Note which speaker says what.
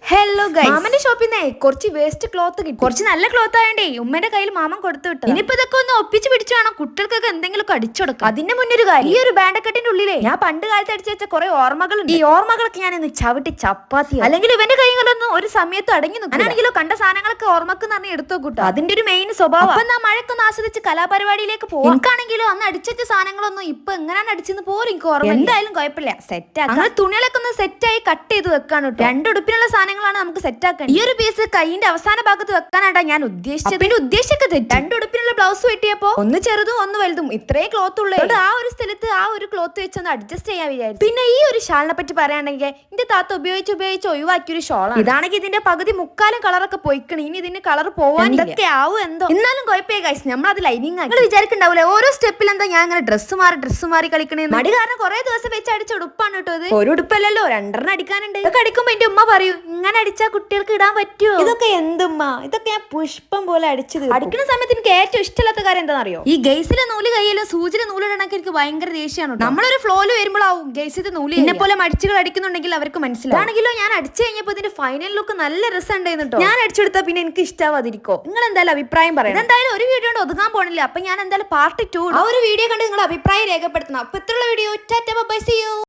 Speaker 1: Hello guys, മാമന്റെ ഷോപ്പിൽ നിന്നേ കുറച്ച് വേസ്റ്റ് ക്ലോത്ത് കിട്ടി. കുറച്ച് നല്ല ക്ലോത്ത് ആയണ്ടേ ഉമ്മന്റെ കയ്യിൽ മാമൻ കൊടുത്തു വിട്ടു. ഇനിയിപ്പോ ഇതൊക്കെ ഒന്ന് ഒപ്പിച്ച് പിടിച്ചു വേണം കുട്ടികൾക്കൊക്കെ എന്തെങ്കിലും അടിച്ചെടുക്കാം. അതിന്റെ മുന്നൊരു കാര്യം, ഈ ഒരു ബാൻഡക്കെട്ടിന്റെ ഉള്ളിലേ ഞാൻ പണ്ട് കാലത്ത് അടിച്ചു വെച്ച കുറെ ഓർമ്മകളുണ്ട്. ഈ ഓർമ്മകളൊക്കെ ഞാൻ ഒന്ന് ചവിട്ടി ചപ്പാത്തി, അല്ലെങ്കിൽ ഇവന്റെ കൈകളൊന്നും ഒരു സമയത്ത് അടങ്ങി നിൽക്കും. ഞാനാണെങ്കിലോ കണ്ട സാധനങ്ങളൊക്കെ ഓർമ്മക്ക് നിറഞ്ഞ് എടുത്തു കൂട്ടോ. അതിന്റെ ഒരു മെയിൻ സ്വഭാവം. അപ്പൊ ഞാൻ മഴക്കൊന്ന് ആസ്വദിച്ച് കലാപരിപാടിയിലേക്ക് പോകും. എനിക്കാണെങ്കിലോ അന്ന് അടിച്ചുവെച്ച സാധനങ്ങളൊന്നും ഇപ്പൊ എങ്ങനെയാണ് അടിച്ചെന്ന് പോലും എനിക്ക് ഓർമ്മ. എന്തായാലും കുഴപ്പമില്ല, സെറ്റ് ആക്കാം. അങ്ങനെ തുണികളൊക്കെ ഒന്ന് സെറ്റായി കട്ട് ചെയ്ത് വെക്കാണ് കേട്ടോ. രണ്ടുടുപ്പിനുള്ള സാധനങ്ങളാണ് നമുക്ക് സെറ്റ് ആക്കാൻ. ഈ ഒരു പീസ് കൈയിന്റെ അവസാന ഭാഗത്ത് വെക്കാനാട്ടാ ഞാൻ ഉദ്ദേശിച്ചത്. പിന്നെ ഉദ്ദേശിച്ചൊക്കെ തെറ്റ്. രണ്ടുടുപ്പിനുള്ള ബ്ലൗസ് വെട്ടിയപ്പോ ഒന്ന് ചെറുതും ഒന്ന് വലുതും ഇത്രയും ക്ലോത്ത് ഉള്ളൂ. ആ ഒരു സ്ഥലത്ത് ആ ഒരു ക്ലോത്ത് വെച്ചൊന്ന് അഡ്ജസ്റ്റ് ചെയ്യാൻ വിചാരിച്ചു. പിന്നെ ഈ ഒരു ഷാളിനെ പറ്റി പറയുകയാണെങ്കിൽ എന്റെ താത്ത ഉപയോഗിച്ച് ഒഴിവാക്കിയ ഒരു ഷോളാണ്. ഇതാണെങ്കിൽ ഇതിന്റെ പകുതി മുക്കാലും കളറൊക്കെ പോയിക്കണം. ഇനി ഇതിന്റെ കളർ പോവാൻ ഇതൊക്കെ ആവും എന്തോ. എന്നാലും കുഴപ്പമില്ല ഗൈസ്, നമ്മളത് ലൈനിങ് ആക്കി. നിങ്ങൾ വിചാരിക്കണ്ടാവൂലേ ഓരോ സ്റ്റെപ്പിൽ എന്താ ഞാൻ അങ്ങനെ ഡ്രസ്സ് മാറി കളിക്കണേ. മടി കാരണം കുറെ ദിവസം വെച്ച് അടിച്ച ഉടുപ്പാണ് കേട്ടോ ഇത്. ഒരു ഉടുപ്പല്ലല്ലോ, രണ്ടെണ്ണം അടിക്കാനുണ്ട്. ഇതൊക്കെ അടിക്കുമ്പോ എന്റെ ഉമ്മ പറയൂ, ഇങ്ങനെ അടിച്ചാൽ കുട്ടികൾക്ക് ഇടാൻ പറ്റുമോ? ഇതൊക്കെ എന്തുമ്മ, ഇതൊക്കെ ഞാൻ പുഷ്പം പോലെ അടിച്ചത്. അടിക്കുന്ന സമയത്ത് എനിക്ക് ഏറ്റവും ഇഷ്ടമില്ലാത്ത കാര്യം എന്താണെന്നറിയോ? ഈ ഗൈസിലെ നൂല് കയ്യിലും സൂചിയുടെ നൂലിടണക്ക് എനിക്ക് ഭയങ്കര ദേഷ്യമാണ്. നമ്മളൊരു ഫ്ലോയിൽ വരുമ്പോഴാവും ഗൈസിന്റെ നൂല്. എന്നെ പോലെ മടിച്ചുകൾ അടിക്കുന്നുണ്ടെങ്കിൽ അവർക്ക് മനസ്സിലാവും. ആണെങ്കിലോ ഞാൻ അടിച്ചു കഴിഞ്ഞപ്പോ ഇതിന്റെ ഫൈനൽ ലുക്ക് നല്ല രസം ഉണ്ടായിരുന്നു കേട്ടോ. ഞാൻ അടിച്ചെടുത്താൽ പിന്നെ എനിക്ക് ഇഷ്ടാവാതിരിക്കോ? നിങ്ങൾ എന്തായാലും അഭിപ്രായം പറയാം. എന്തായാലും ഒരു വീഡിയോ കൊണ്ട് ഒതുങ്ങാൻ പോണില്ല. അപ്പൊ ഞാൻ എന്തായാലും പാർട്ട് 2 ആ ഒരു വീഡിയോ കണ്ട് നിങ്ങളുടെ അഭിപ്രായം രേഖപ്പെടുത്തണം. അപ്പൊ ഇത്രയുള്ള video. Tata bye, see U.